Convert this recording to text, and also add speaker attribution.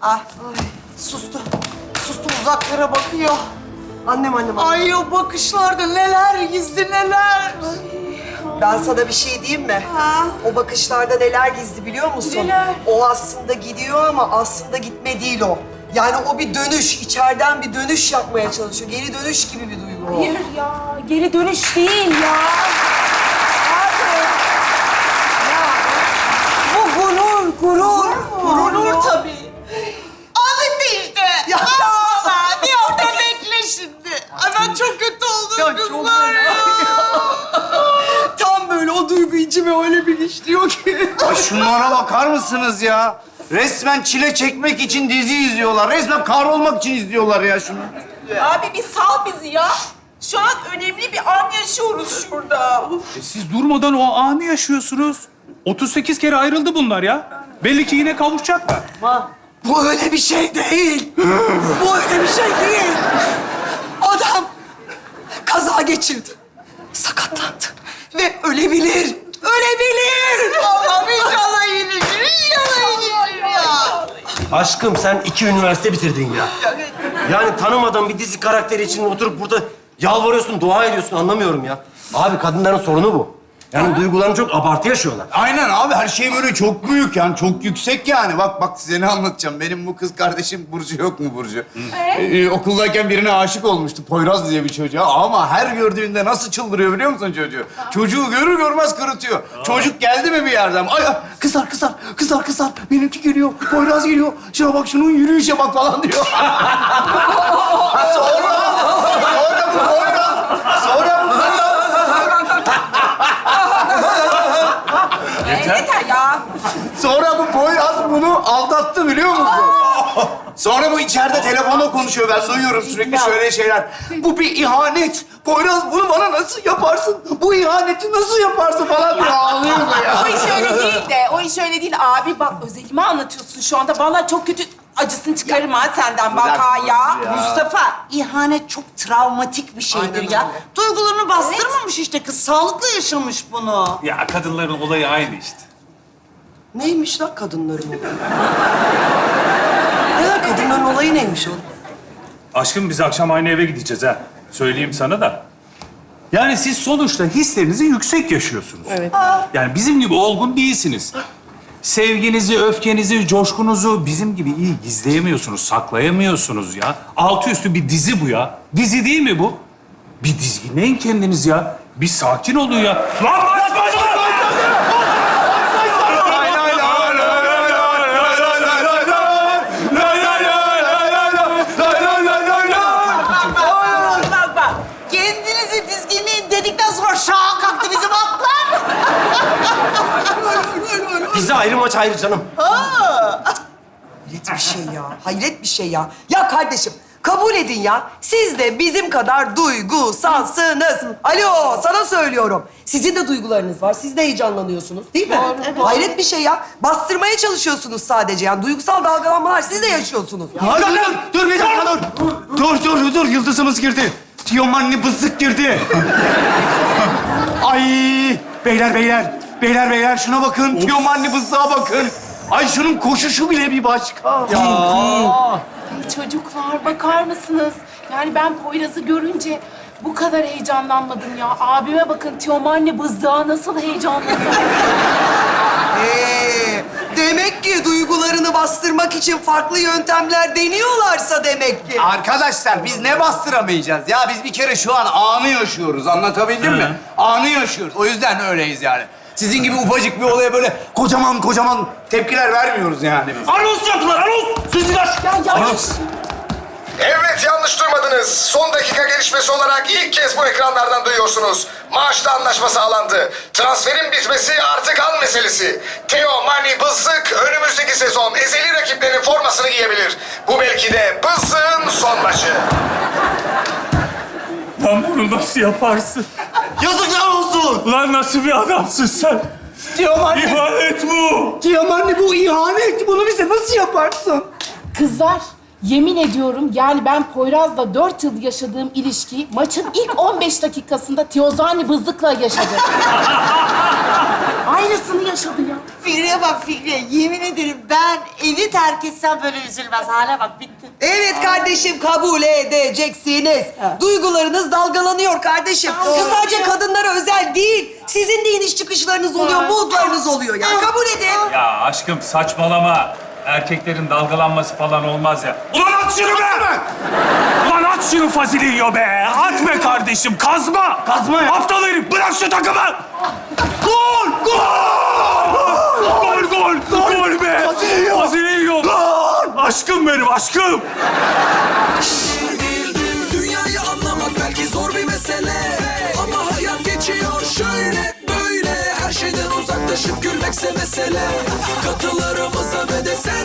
Speaker 1: Ay, sustu. Sustu, uzaklara bakıyor.
Speaker 2: Annem.
Speaker 1: Ay o bakışlarda neler gizli neler.
Speaker 2: Ben sana bir şey diyeyim mi?
Speaker 1: Ha?
Speaker 2: O bakışlarda neler gizli biliyor musun?
Speaker 1: Neler?
Speaker 2: O aslında gidiyor ama aslında gitme değil o. Yani o bir dönüş, içeriden bir dönüş yapmaya çalışıyor. Geri dönüş gibi bir duygu o.
Speaker 3: Hayır ya, geri dönüş değil ya. Abi.
Speaker 1: Bu gurur. Gurur tabii. Anlattı işte.
Speaker 2: Ya.
Speaker 1: Allah, bir orada bekle şimdi. Ay ben çok kötü oldum kızlar ya.
Speaker 2: Tam böyle o duygu içime öyle bir işliyor ki.
Speaker 4: Ay şunlara bakar mısınız ya? Resmen çile çekmek için dizi izliyorlar. Resmen kahrolmak için izliyorlar ya şunu.
Speaker 3: Abi bir sal bizi ya. Şu an önemli bir an yaşıyoruz şurada.
Speaker 5: Siz durmadan o anı yaşıyorsunuz. 38 kere ayrıldı bunlar ya. Belli ki yine kavuşacaklar.
Speaker 2: Bu öyle bir şey değil. Bu öyle bir şey değil. Adam kaza geçirdi. Sakatlandı. Ve ölebilir. Ölebilir.
Speaker 1: Allah'ım inşallah iyileşir. İnşallah iyileşir ya.
Speaker 6: Aşkım sen 2 üniversite bitirdin ya. Yani tanımadığın bir dizi karakteri için oturup burada yalvarıyorsun, dua ediyorsun anlamıyorum ya. Abi kadınların sorunu bu. Yani duygularını çok abartı yaşıyorlar.
Speaker 4: Aynen abi her şey böyle çok büyük yani çok yüksek yani. Bak size ne anlatacağım. Benim bu kız kardeşim Burcu yok mu Burcu? Okuldayken birine aşık olmuştu Poyraz diye bir çocuğa ama her gördüğünde nasıl çıldırıyor biliyor musun çocuğu? Çocuğu görür görmez kırıtıyor. Çocuk geldi mi bir yerden? Ay kızar. Benimki geliyor. Poyraz geliyor. Şuna bak şunun yürüyüşe bak falan diyor. Sonra bu
Speaker 3: Yeter ya.
Speaker 4: Sonra bu Poyraz bunu aldattı biliyor musun? Sonra bu içeride telefonla konuşuyor. Ben duyuyorum sürekli şöyle şeyler. Bu bir ihanet. Poyraz bunu bana nasıl yaparsın? Bu ihaneti nasıl yaparsın falan diye ağlıyor da ya.
Speaker 3: O iş öyle değil de, o iş öyle değil. Abi bak özelimi anlatıyorsun şu anda. Vallahi çok kötü acısını çıkarım ha senden bak ha ya.
Speaker 1: Mustafa, ihanet çok travmatik bir şeydir
Speaker 2: Aynen
Speaker 1: ya.
Speaker 2: öyle.
Speaker 1: Duygularını bastırmamış işte kız. Sağlıklı yaşamış bunu.
Speaker 5: Ya kadınların olayı aynı işte.
Speaker 2: Neymiş lan kadınların olayı? Ya kadınların olayı neymiş oğlum?
Speaker 5: Aşkım biz akşam aynı eve gideceğiz ha. Söyleyeyim sana da. Yani siz sonuçta hislerinizi yüksek yaşıyorsunuz.
Speaker 2: Evet.
Speaker 5: Yani bizim gibi olgun değilsiniz. Sevginizi, öfkenizi, coşkunuzu bizim gibi iyi gizleyemiyorsunuz, saklayamıyorsunuz ya. Altı üstü bir dizi bu ya. Dizi değil mi bu? Bir dizginleyin kendiniz ya. Bir sakin olun ya. Lan
Speaker 1: Bak. Kendinizi dizginleyin dedikten sonra şaha kalktı bizim atlar.
Speaker 6: Dizi ayrı maç ayrı canım.
Speaker 2: Hayret bir şey ya. Hayret bir şey ya. Ya kardeşim kabul edin ya. Siz de bizim kadar duygusalsınız. Alo sana söylüyorum. Sizin de duygularınız var. Siz de heyecanlanıyorsunuz değil mi? Hayret bir şey ya. Bastırmaya çalışıyorsunuz sadece. Yani duygusal dalgalanmalar siz de yaşıyorsunuz.
Speaker 4: Dur bir dakika dur. Yıldızımız girdi. Tiyomanni bızık girdi. Ay beyler şuna bakın. Tiyomanni bızığa bakın. Ay şunun koşuşu bile bir başka.
Speaker 3: Ay çocuklar bakar mısınız? Yani ben Poyraz'ı görünce bu kadar heyecanlanmadım ya. Abime bakın Teomanni bızdığa nasıl heyecanlandı.
Speaker 2: Demek ki duygularını bastırmak için farklı yöntemler deniyorlarsa demek ki.
Speaker 4: Arkadaşlar biz ne bastıramayacağız ya? Biz bir kere şu an anı yaşıyoruz. Anlatabildim mi? Anı yaşıyoruz. O yüzden öyleyiz yani. Sizin gibi ufacık bir olaya böyle kocaman tepkiler vermiyoruz yani biz.
Speaker 6: Anons yaptılar, anons! Sözler!
Speaker 7: Evet, yanlış duymadınız. Son dakika gelişmesi olarak ilk kez bu ekranlardan duyuyorsunuz. Maaşlı anlaşma sağlandı. Transferin bitmesi artık an meselesi. Teo Mani Bızık önümüzdeki sezon ezeli rakiplerinin formasını giyebilir. Bu belki de Bızık'ın son maçı.
Speaker 5: Lan bunu nasıl yaparsın?
Speaker 6: Yazıklar olsun!
Speaker 5: Lan nasıl bir adamsın sen? İhanet bu!
Speaker 4: Tiyomanni bu ihanet. Bunu bize nasıl yaparsın?
Speaker 3: Kızlar, yemin ediyorum yani ben Poyraz'la 4 yıl yaşadığım ilişkiyi maçın ilk 15 dakikasında Teozani Bızık'la yaşadım. Aynısını yaşadı ya.
Speaker 1: Fikriye bak Fikriye. Yemin ederim ben evi terk etsem böyle üzülmez. Hale bak bitti.
Speaker 2: Evet kardeşim, kabul edeceksiniz. Duygularınız dalgalanıyor kardeşim. Bu sadece kadınlara özel değil. Sizin de iniş çıkışlarınız oluyor, moodlarınız oluyor ya. Kabul edin.
Speaker 5: Ya aşkım saçmalama. Erkeklerin dalgalanması falan olmaz ya. Ulan at şunu be! Ulan at şunu fazili yiyor be! At be kardeşim, kazma!
Speaker 6: Kazma ya.
Speaker 5: Aptal herif, bırak şu takımı! Gol! Gol! Gol, gol! Gol be! Fazili yiyor! Gol! Aşkım benim, aşkım!
Speaker 8: Dünyayı anlamak belki zor bir mesele, ama hayat geçiyor şöyle böyle. Her şeyden uzaklaşıp gülmekse mesele. Katılarımıza ve de sen